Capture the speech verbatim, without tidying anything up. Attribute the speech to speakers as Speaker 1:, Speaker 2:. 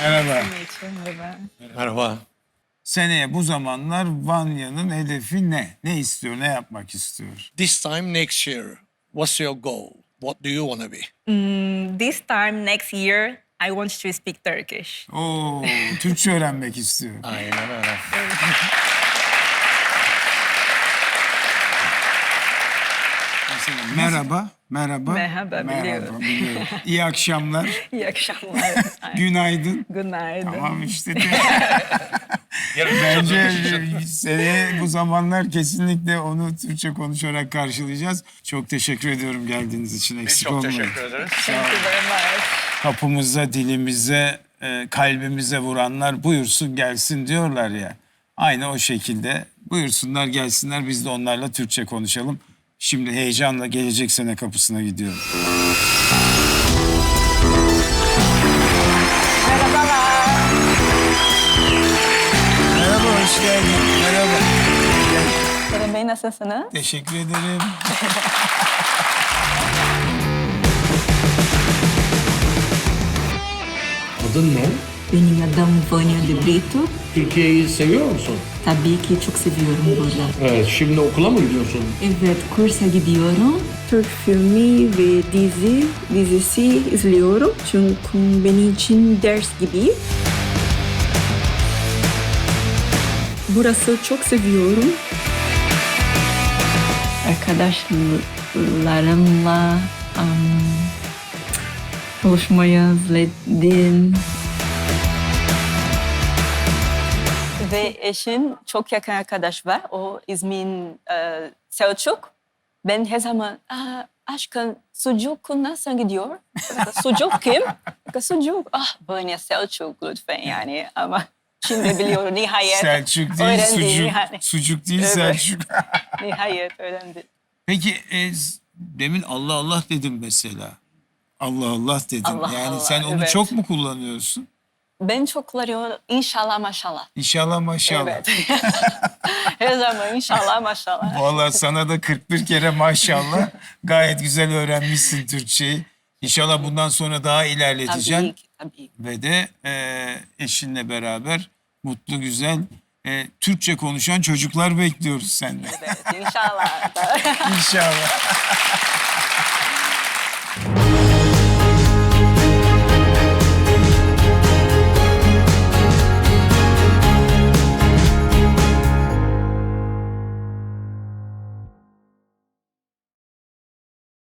Speaker 1: Merhaba.
Speaker 2: Merhaba.
Speaker 3: Merhaba.
Speaker 1: Seneye bu zamanlar Vanya'nın hedefi ne? Ne istiyor, ne yapmak istiyor?
Speaker 3: This time next year, what's your goal? What do you want to be?
Speaker 2: Mm, this time next year, I want to speak Turkish.
Speaker 1: Oo, Türkçe öğrenmek istiyor.
Speaker 3: Aynen öyle.
Speaker 1: Mesela merhaba, merhaba.
Speaker 2: Merhaba, biliyorum.
Speaker 1: biliyorum. İyi akşamlar,
Speaker 2: İyi akşamlar.
Speaker 1: günaydın.
Speaker 2: Günaydın.
Speaker 1: Tamam işte de. Bence seneye bu zamanlar kesinlikle onu Türkçe konuşarak karşılayacağız. Çok teşekkür ediyorum geldiğiniz için.
Speaker 3: Biz
Speaker 1: Eksik
Speaker 3: çok
Speaker 1: olmayın.
Speaker 3: teşekkür ederiz.
Speaker 2: Thank you very much.
Speaker 1: Kapımıza, dilimize, e, kalbimize vuranlar buyursun gelsin diyorlar ya. Aynı o şekilde buyursunlar gelsinler, biz de onlarla Türkçe konuşalım. Şimdi heyecanla gelecek sene kapısına gidiyorum.
Speaker 2: Merhabalar.
Speaker 1: Merhaba, hoş geldin. Merhaba.
Speaker 2: Kerem Bey, nasılsınız?
Speaker 1: Teşekkür ederim.
Speaker 4: Adın ne?
Speaker 5: Benim adım Vanya de Brito.
Speaker 4: Türkiye'yi seviyor musun?
Speaker 5: Tabii ki çok seviyorum burada.
Speaker 4: Evet, şimdi okula mı gidiyorsun?
Speaker 5: Evet, kursa gidiyorum. Türk filmi ve dizi, dizisi izliyorum. Çünkü benim için ders gibi. Burası çok seviyorum. Arkadaşlarımla um, buluşmayı özledim. Ve eşin çok yakın arkadaş var. O İzmir'in e, Selçuk. Ben her zaman aşkım sucuk nasıl gidiyor? Sucuk kim? Sucuk. Ah Vanya Selçuk lütfen yani ama şimdi biliyorum nihayet.
Speaker 1: Selçuk değil,
Speaker 5: öğrendi,
Speaker 1: sucuk.
Speaker 5: nihayet.
Speaker 1: Sucuk değil,
Speaker 5: Evet.
Speaker 1: Selçuk.
Speaker 5: Nihayet öğrendi.
Speaker 1: Peki e, demin Allah Allah dedim mesela. Allah Allah dedim.
Speaker 5: Allah
Speaker 1: yani
Speaker 5: Allah,
Speaker 1: sen onu
Speaker 5: evet.
Speaker 1: çok mu kullanıyorsun?
Speaker 5: Ben çok kullanıyorum inşallah maşallah.
Speaker 1: İnşallah maşallah.
Speaker 5: Evet. Her zaman inşallah maşallah.
Speaker 1: Vallahi sana da kırk bir kere maşallah. Gayet güzel öğrenmişsin Türkçeyi. İnşallah bundan sonra daha ilerleteceksin.
Speaker 5: Tabii ki, tabii ki.
Speaker 1: Ve de e, eşinle beraber mutlu güzel e, Türkçe konuşan çocuklar bekliyoruz senden.
Speaker 5: Evet, inşallah.
Speaker 1: İnşallah.